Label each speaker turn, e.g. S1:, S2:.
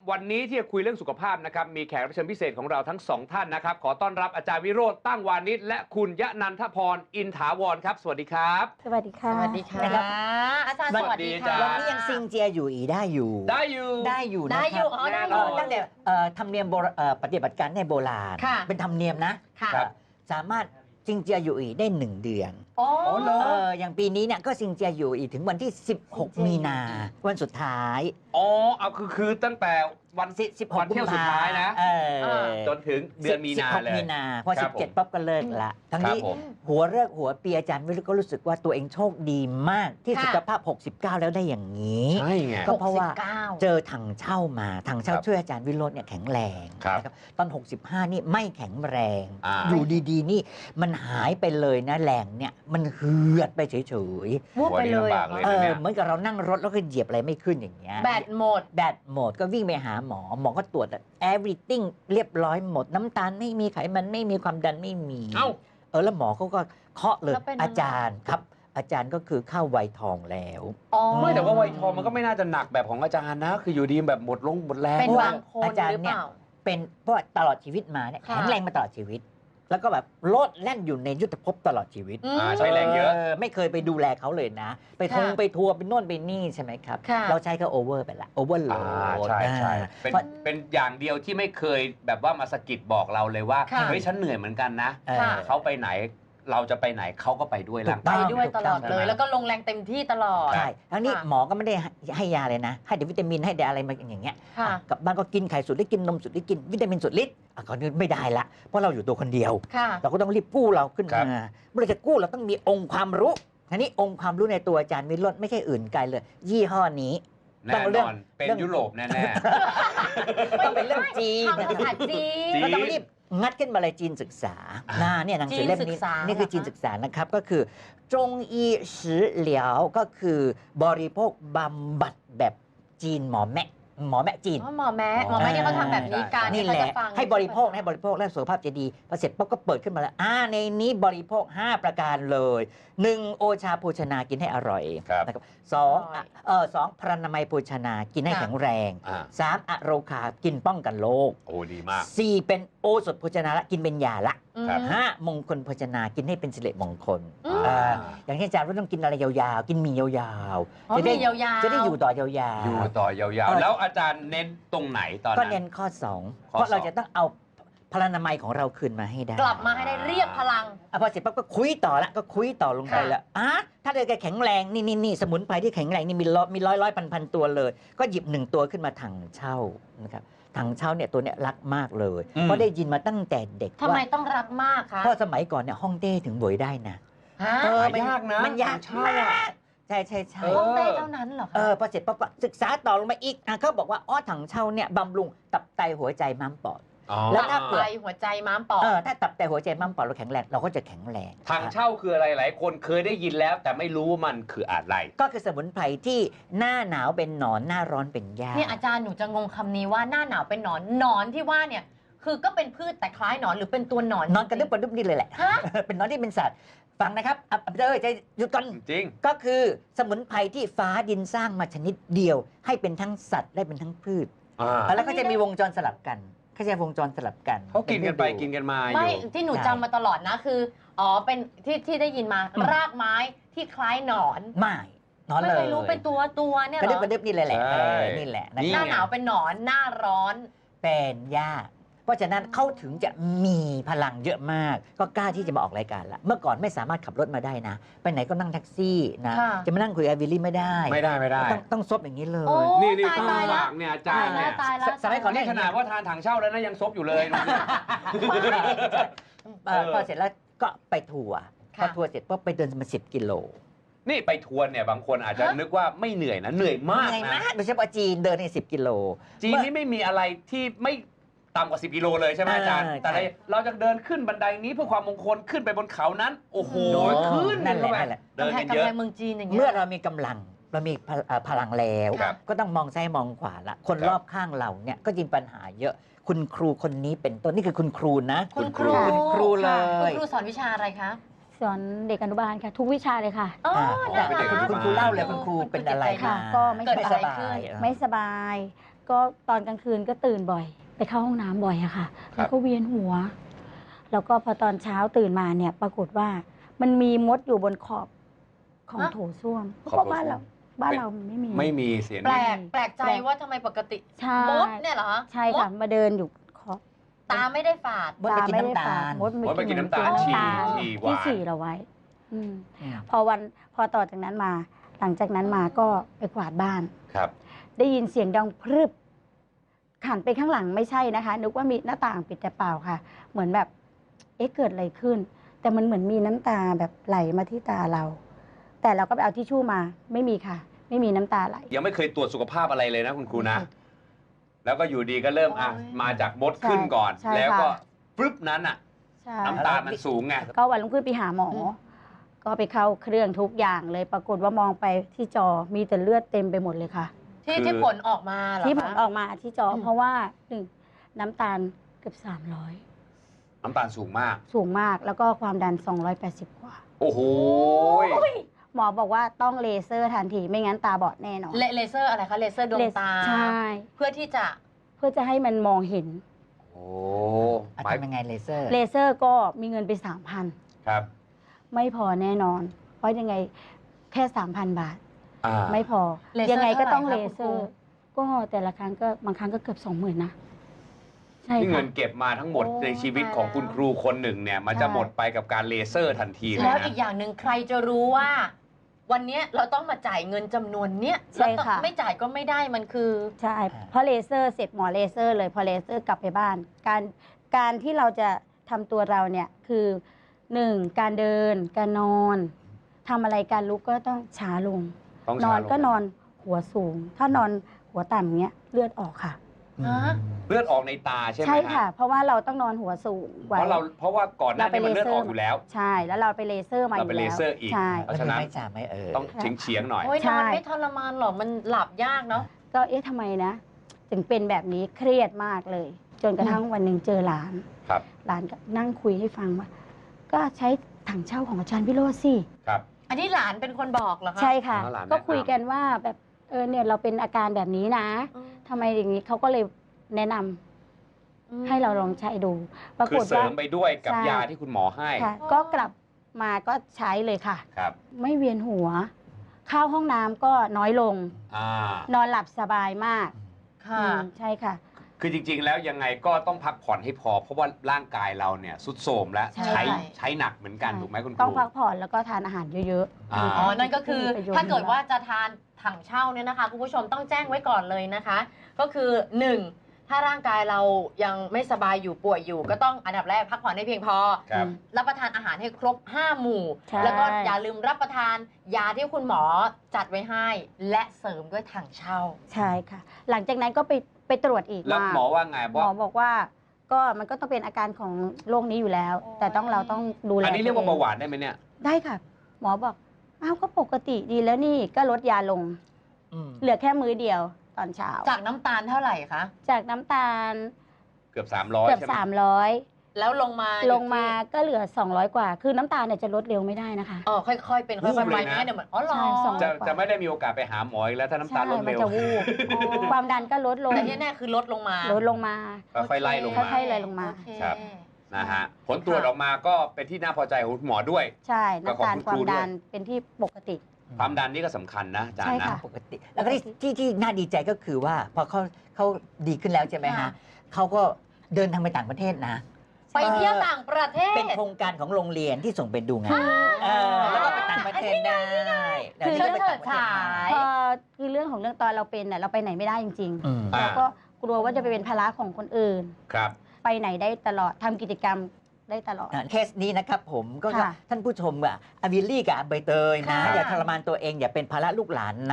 S1: วันนี้ที่จะคุยเรื่องสุขภาพนะครับมีแขกรับเชิญพิเศษของเราทั้งสองท่านนะครับขอต้อนรับอาจารย์วิโรจน์ตั้งวานิชและคุณยะนันทพรอินถาวรครับสวัสดีครับ
S2: สวัสดีค่ะ
S3: สวัสดีค่ะอาจารย์สวัสดีค่ะ
S2: วันนี้ยังซิงเจียอยู่อีได้อยู่
S1: ได้อยู่
S3: ได้อยู่
S2: ตั้งแต่ธรรมเนียมปฏิบัติการในโบราณเป็นธรรมเนียมนะสามารถซิงเจียอยู่อีได้1 เดือนอย่างปีนี้เนี่ยก็ซิงเจียอยู่อีถึงวันที่16 มีนาวันสุดท้าย
S1: เอาคือตั้งแต่วัน16 เที่ยวสุดท้ายนะจนถึงเดือนมีนาเลย
S2: 16 มีนาพอ17ปั๊บก็เลิกละทั้งนี้หัวเลิกหัวปีอาจารย์วิโรจน์ก็รู้สึกว่าตัวเองโชคดีมากที่สุขภาพ69แล้วได้อย่างนี้
S1: ใช่ไง
S2: ก็เพราะว่าเจอถังเช่ามาถังเช่าช่วยอาจารย์วิโรจน์เนี่ยแข็งแรงตอน65นี่ไม่แข็งแรงอยู่ดีๆนี่มันหายไปเลยนะแรงเนี่ยมันเหือดไปเฉย
S3: ๆวูบไปเลย
S2: เหมือนกับเรานั่งรถแล้วก็เหยียบอะไรไม่ขึ้นอย่างเงี้ย
S3: แบตหม
S2: ดก็วิ่งไปหาหมอก็ตรวจ everything เรียบร้อยหมดน้ำตาลไม่มีไขมันไม่มีความดันไม่มีแล้วหมอเขาก็เคาะเลยอาจารย์ครับอาจารย์ก็คือเข้าวัยทองแล้ว
S1: ไม่แต่ว่าวัยทองมันก็ไม่น่าจะหนักแบบของอาจารย์นะคืออยู่ดีแบบหมดแรง
S3: เป็นบางคน
S2: อาจารย์เนี่ยเป็นเพราะตลอดชีวิตมาเนี่ยแข็งแรงมาตลอดชีวิตแล้วก็แบบโลดแล่นอยู่ในยุทธภพตลอดชีวิต
S1: ใช้แรงเยอะ
S2: ไม่เคยไปดูแลเขาเลยนะไปทัวร์ไปโน่นไปนี่ใช่ไหมครับเราใช้เขาโอเวอร์ไปละโอเวอร์โหลด
S1: ใช่เป็นอย่างเดียวที่ไม่เคยแบบว่ามาสะกิดบอกเราเลยว่าเฮ้ยฉันเหนื่อยเหมือนกันนะเขาไปไหนเราจะไปไหนเขาก็ไปด้วยร่าง
S3: กายไปด้วยตลอดเลยแล้วก็ลงแรงเต็มที่ตลอด
S2: ใช่ทั้งนี้หมอก็ไม่ได้ให้ยาเลยนะให้แต่วิตามินให้แต่อะไรมาอย่างเงี้ยกับบ้านก็กินไข่สุดได้กินนมสุดได้กินวิตามินสุดฤทธิ์ก็ไม่ได้ละเพราะเราอยู่ตัวคนเดียวเราก็ต้องรีบกู้เราขึ้นมาเมื่อเราจะกู้เราต้องมีองค์ความรู้ทีนี้องค์ความรู้ในตัวอาจารย์วิโรจน์ไม่ใช่อื่นไกลเลยยี่ห้อนี้
S1: แน่นอนเป็นยุโรปแน่
S2: ๆต้องเป็นเรื่องจีนก็ต้องรีบงัดขึ้นมาเลยจีนศึกษาเนี่ยหนังสือเล่มนี้นี่คือจีนศึกษานะครับก็คือจงอีสือเหลียวก็คือบริโภคบำบัดแบบจีนหมอแม่จีน
S3: หมอแม่เนี่ยเขาทำแบบนี้กัน
S2: นี่แหละให้บริโภคแล้วสุขภาพจะดีพอเสร็จปุ๊บก็เปิดขึ้นมาแล้วในนี้บริโภค5 ประการเลย1โอชาโภชนากินให้อร่อยนะครับ2พรรณนามัยโภชนากินให้แข็งแรง3อโรคากินป้องกันโรค
S1: โอ้ดีมาก
S2: 4เป็นโอสถโภชนาละกินเป็นยาละ5มงคลโภชนากินให้เป็นสิริมงคลอย่างเช่นอาจารย์ว่าต้องกินอะไรยาวๆกินมียาว
S3: ๆจะได้
S2: อยู่ต่อยาว
S1: ๆแล้วอาจารย์เน้นตรงไหนตอนนั้น
S2: ก็เน้นข้อ2เพราะเราจะต้องเอาพลานามัยของเราคืนมาให้ได้
S3: กลับมาให้ได้เรียกพลัง
S2: พอเสร็จปั๊บก็คุยต่อละก็คุยต่อลงไปแล้วถ้าเกิดแข็งแรงนี่สมุนไพรที่แข็งแรงนี่มีร้อยพันตัวเลยก็หยิบ1 ตัวขึ้นมาถังเช่านะครับถังเช่าเนี่ยตัวเนี้ยรักมากเลยเพราะได้ยินมาตั้งแต่เด็ก
S3: ทำไมต้องรักมากคะ
S2: เพราะสมัยก่อนเนี่ยฮ่องเต้ถึงบวยได้นะ
S1: มันยากนะ
S2: มันยากใช่
S3: ฮ่องเต้เท่านั้นเหรอ
S2: พอเสร็จปั๊บศึกษาต่อลงมาอีกเขาบอกว่าถังเช่าเนี่ยบำรุงตับไตหัวใจม้ามปอด
S3: แล้วถ้าไตหัวใจม้ามปอด
S2: ถ้าตับไตหัวใจม้ามปอดเราแข็งแรงเราก็จะแข็งแรง
S1: ถังเช่าคืออะไรหลายคนเคยได้ยินแล้วแต่ไม่รู้ว่ามันคืออะไร
S2: ก็คือสมุนไพรที่หน้าหนาวเป็นหนอนหน้าร้อนเป็นหญ้า
S3: เนี่ยอาจารย์หนูจะงงคำนี้ว่าหน้าหนาวเป็นหนอนที่ว่าเนี่ยคือก็เป็นพืชแต่คล้ายหนอนหรือเป็นตัวหนอน
S2: กระดึ๊บกระดึ๊บนี่เลยแหละเป็นหนอนที่เป็นสัตว์ฟังนะครับใจหยุดก่อน
S1: จริง
S2: ก็คือสมุนไพรที่ฟ้าดินสร้างมาชนิดเดียวให้เป็นทั้งสัตว์และเป็นทั้งพืชแล้วก็จะมีวงจรสลับกันเขาจะวงจรสลับกัน
S1: เขากินกันไปกินกันมา
S3: ไม่ที่หนูจำมาตลอดนะคือเป็นที่ได้ยินมารากไม้ที่คล้ายหนอน
S2: ไม่หนอนเลย
S3: ไม่เคยรู้เป็นตัวเนี่ยหร
S2: อกระดึ๊บนี่เลยแหละนี่แหละ
S3: หน้าหนาวเป็นหนอนหน้าร้อน
S2: เป็นหญ้าเพราะฉะนั้นเขาถึงจะมีพลังเยอะมากก็กล้าที่จะมาออกรายการละเมื่อก่อนไม่สามารถขับรถมาได้นะไปไหนก็นั่งแท็กซี่นะจะมานั่งคุยกับวิลลี่ไม่ได้ต้องซบอย่างนี้เลย
S1: นี่ต้องฝากเนี่ยอาจารย์เนี่ย
S2: สมัยก่อน
S1: นี่ขนาดว่าทานถังเช่าแล้วนะยังซบอยู่เลย
S2: พอเสร็จแล้วก็ไปทัวร์พอทัวร์เสร็จก็ไปเดินมา10 กิโล
S1: นี่ไปทัวร์เนี่ยบางคนอาจจะนึกว่าไม่เหนื่อยนะเหนื่อยมาก
S2: โดยเฉพาะจีนเดินใน10 กิโล
S1: จีนนี่ไม่มีอะไรที่ไม่ต่ำกว่า10 กิโลเลยใช่ไหมอาจารย์แต่เราจะเดินขึ้นบันไดนี้เพื่อความมงคลขึ้นไปบนเขานั้นโอ้โหขึ้น
S2: นั่นแหละ
S3: เดินกันเยอะเมืองจีนอย่างเงี้ย
S2: เมื่อเรามีกำลังเรามีพลังแล้วก็ต้องมองซ้ายมองขวาละคนรอบข้างเราเนี่ยก็ยิงปัญหาเยอะคุณครูคนนี้เป็นต้นนี่คือคุณครูนะ
S3: คุณครู
S2: เลยคุณ
S3: ครูสอนวิชาอะไรคะ
S4: สอนเด็กอนุบาลค่ะทุกวิชาเลยค่ะ
S2: คุณครูเล่าเลยคุณครูเป็นอะไร
S4: ค่ะก็ไม่สบายก็ตอนกลางคืนก็ตื่นบ่อย ไปเข้าห้องน้ำบ่อยอะค่ะ แล้วก็เวียนหัว แล้วก็พอตอนเช้าตื่นมาเนี่ยปรากฏว่ามันมีมดอยู่บนขอบของโถส้วมเพราะว่าบ้านเราไม่มี
S1: ไม่มีเสียง
S3: แปลกใจว่าทำไมปกติ
S4: ใช่
S3: มดเนี่ยเหรอ
S4: ใช่ค่ะ มาเดินอยู่ขอบ
S3: ตาไม่ได้ฝาด
S2: มดไปกินน้ำตาล
S4: มด
S1: มดไปกินน้ำตาล
S4: น้ำตาล
S1: ฉี่หวาน
S4: ที่ฉี่เราไว้อืม
S2: อืม
S4: พอต่อจากนั้นมา หลังจากนั้นมาก็ไปกวาดบ้าน
S1: ครับ
S4: ได้ยินเสียงดังพรึบหันไปข้างหลังไม่ใช่นะคะ นึกว่ามีหน้าต่างปิดแต่เปล่าค่ะ เหมือนแบบ เอ๊ะเกิดอะไรขึ้น แต่มันเหมือนมีน้ำตาแบบไหลมาที่ตาเรา แต่เราก็ไปเอาทิชชู่มา ไม่มีค่ะ ไม่มีน้ำตาไหล
S1: ยังไม่เคยตรวจสุขภาพอะไรเลยนะคุณครูนะ แล้วก็อยู่ดีก็เริ่มมาจากมดขึ้นก่อน
S4: ใช่
S1: แล้วก็
S4: ค่ะ
S1: ฟึบนั้นอ่ะ
S4: ใช่
S1: น้ำตาลมันสูงไง
S4: ก็วันรุ่งขึ้นไปหาหมอ ก็ไปเข้าเครื่องทุกอย่างเลย ปรากฏว่ามองไปที่จอมีแต่เลือดเต็มไปหมดเลยค่ะ
S3: ที่ผลออกมาเหรอคะ
S4: ที่ผลออกมาที่จอ เพราะว่าหนึ่งน้ำตาลเกือบ300
S1: น้ำตาลสูงมาก
S4: สูงมากแล้วก็ความดัน280 กว่า
S1: โอ้โห
S4: หมอบอกว่าต้องเลเซอร์ทันทีไม่งั้นตาบอดแน่นอน
S3: เลเซอร์อะไรคะ เลเซอร์ดวงตา
S4: ใช่
S3: เพื่อที่จะ
S4: เพื่อจะให้มันมองเห็น
S1: โอ้
S2: อ่ะ
S1: หมาย
S2: ทำยังไงเลเซอร์
S4: เลเซอร์ก็มีเงินไป 3,000
S1: ครับ
S4: ไม่พอแน่นอน เพราะยังไงแค่ 3,000 บาท
S1: อ่า
S4: ไม่พอ
S3: เลเซอร์
S4: ยังไงก็ต้อง
S3: เท่า
S4: เล
S3: ไหร่คะ
S4: เซอร์ ก็แต่ละครั้งก็บางครั้งก็เกือบ 20,000 นะ ใช่
S1: ที่เงิ
S4: ค่ะ
S1: นเก็บมาทั้งหมด
S3: โอ้
S1: ในชีวิตของคุณครูคนหนึ่งเนี่ยมันจะ
S4: ใช่
S1: หมดไปกับการเลเซอร์ทันทีเลย
S3: แล้ว
S1: นะ
S3: อีกอย่างหนึ่งใครจะรู้ว่า วันเนี้ยเราต้องมาจ่ายเงินจำนวนเนี้ย
S4: ใช่ค่ะ
S3: แล้วไม่จ่ายก็ไม่ได้มันคือ
S4: ใช่เพราะเลเซอร์เสร็จหมอเลเซอร์เลยพอเลเซอร์กลับไปบ้าน การที่เราจะทำตัวเราเนี่ยคือ 1. การเดิน การนอนทำอะไรการลุกก็ต้องช้าลง
S1: ต้อง
S4: น
S1: ช้า
S4: อน
S1: ลง
S4: ก็นอนหัวสูง ถ้านอนหัวต่ำเงี้ยเลือดออกค่ะ
S3: ฮะ
S1: เลือดออกในตาใช่ไหม
S4: ใช่
S1: ฮ
S4: ค่ะ เพราะว่าเราต้องนอนหัวสูง
S1: เพ
S4: ไว้
S1: ราะว่าก่อนหน้านี้มันเลือดออกอยู่แล้ว
S4: ใช่แล้วเราไปเลเซอร์มาอ
S1: เรา
S4: ยู่
S1: ไป
S4: แล้ว
S1: เลเซอร์อีก
S4: ใช่
S1: เพราะฉะนั้น
S2: ไม่จ่าไม่
S1: ต้องเฉียงๆหน่อย
S3: โอ้ย
S4: ใช่
S3: นอนไม่ทรมานหรอกมันหลับยากเนาะ
S4: ก็เอ๊ะทำไมนะ ถึงเป็นแบบนี้เครียดมากเลย จนกระทั่งวันหนึ่งเจอหลาน
S1: ครับ
S4: หลานก็นั่งคุยให้ฟังว่า ก็ใช้ถังเช่าของอาจารย์พิโรจน์สิ
S1: ครับ
S3: อันนี้หลานเป็นคนบอกเหรอคะ
S4: ใช่ค่ะ
S1: อ๋อหลานแนะนำ
S4: ก็คุยกันว่าแบบเนี่ยเราเป็นอาการแบบนี้นะ
S3: อืม
S4: ทำไมอย่างนี้เขาก็เลยแนะนำให้เราลองใช้ดู ปรา
S1: คื
S4: ก
S1: อ
S4: ฏ
S1: เสริ
S4: ว่าม
S1: ไปด้วยกับ
S4: ใช่
S1: ยาที่คุณหมอให้
S4: ค่ะ ก็กลับมาก็ใช้เลยค่ะ
S1: ครับ
S4: ไม่เวียนหัว เข้าห้องน้ำก็น้อยลง
S1: อ่า
S4: นอนหลับสบายมาก
S3: ค่ะ
S4: ใช่ค่ะ
S1: คือจริงๆ แล้วยังไงก็ต้องพักผ่อนให้พอ เพราะว่าร่างกายเราเนี่ยสุดโทรมแล้ว
S3: ใช่
S1: ใช้หนักเหมือนกัน
S4: ใช่
S1: ถูกไหมคุณค
S4: ต้อง
S1: รู
S4: พักผ่อนแล้วก็ทานอาหารเยอะ
S1: อ่า
S3: อ๋อ นั่นก็คือ
S4: มีประโยชน์
S3: ถ้าเกิดว่าจะทานถังเช่าเนี่ยนะคะคุณผู้ชมต้องแจ้งไว้ก่อนเลยนะคะ ก็คือ 1. ถ้าร่างกายเรายังไม่สบายอยู่ป่วยอยู่ ก็ต้องอันดับแรกพักผ่อนให้เพียงพอ
S1: ครับ
S3: รับประทานอาหารให้ครบ 5 หมู่
S4: ใช่
S3: แล้วก็อย่าลืมรับประทานยาที่คุณหมอจัดไว้ให้ และเสริมด้วยถังเช่า
S4: ๆ ใช่ค่ะ หลังจากนั้นก็ไปตรวจอีก
S1: แล้ว
S4: ว่า
S1: หมอว่าไง
S4: หมอบอกว่าก็มันก็ต้องเป็นอาการของโรคนี้อยู่แล้ว
S3: โอ้ย
S4: แต่เราต้องดูแล
S1: อันนี้เรียกว่า
S4: ตั
S1: เบาหวานได้ไหมเนี่ย
S4: ได้ค่ะ หมอบอกอ้าวก็ปกติดีแล้วนี่ก็ลดยาลง เหลือแค่มื้อเดียวตอนเช้า
S3: จากน้ำตาลเท่าไหร่คะ
S4: จากน้ำตาล
S1: เกือบ 300
S4: เกือบ
S1: ใช่ไหม
S4: 300
S3: แล้วลงมา
S4: ลงมาก็เหลือ 200 กว่า คือน้ำตาลเนี่ยจะลดเร็วไม่ได้นะคะ
S3: อ๋อค่อยๆ เป็นค่อยๆไปไม่งั้นเดี๋ยวมันอ๋อเหรอ
S4: ใช่สอง
S1: จะไม่ได้มีโอกาสไปหาหมออีกแล้วถ้าน้ำตาลลด
S4: มั
S1: เร็ว
S4: จะวูบความดันก็ลดลง
S3: แต่ที่แน่คือลดลงมา
S4: ลดลงมา
S1: ค่อยๆไล่ลงมา
S4: ค่อยๆไล่ลงมา
S3: โอเค
S1: ครับ นะฮะ ผลตรวจออกมาก็เป็นที่น่าพอใจของคุณหมอด้วย
S4: ใช่น้ำตาล
S1: ก็
S4: ค
S1: ของคุณครู
S4: วามดัน
S1: ด้วย
S4: เป็นที่ปกติ
S1: ความดันนี่ก็สำคัญนะอาจาร
S4: ใช่
S1: ย์นะ
S4: ค่ะ
S2: ปกติ แล้วก็ที่น่าดีใจก็คือว่าพอเขาดีขึ้นแล้วใช่ไหม
S3: ค่ะ
S2: ฮะเขาก็เดินทางไปต่างประเทศนะ
S3: ไปเที่ยวต่างประเทศ
S2: เป็นโครงการของโรงเรียนที่ส่งไปดูงานแล้วก็ไปต่างประเทศได้
S4: คือ
S2: ดี๋ยวนี้ก็ไปต่างประเทศ
S3: เชิดฉาย
S4: พอคือเรื่องของเรื่องตอนเราเป็นเราไปไหนไม่ได้จริง
S2: อืม
S1: อ่า
S4: ๆแล้วก็กลัวว่าจะไปเป็นภาระของคนอื่น
S1: ครับ
S4: ไปไหนได้ตลอดทำกิจกรรมได้ตลอด
S2: เคสนี้นะครับผมก็
S4: ค่ะ
S2: ท่านผู้ชมอ่ะอวิลลี่กับใบเตยนะ
S3: ค่ะ
S2: อย่าทรมานตัวเองอย่าเป็นภาระลูกหลานนะ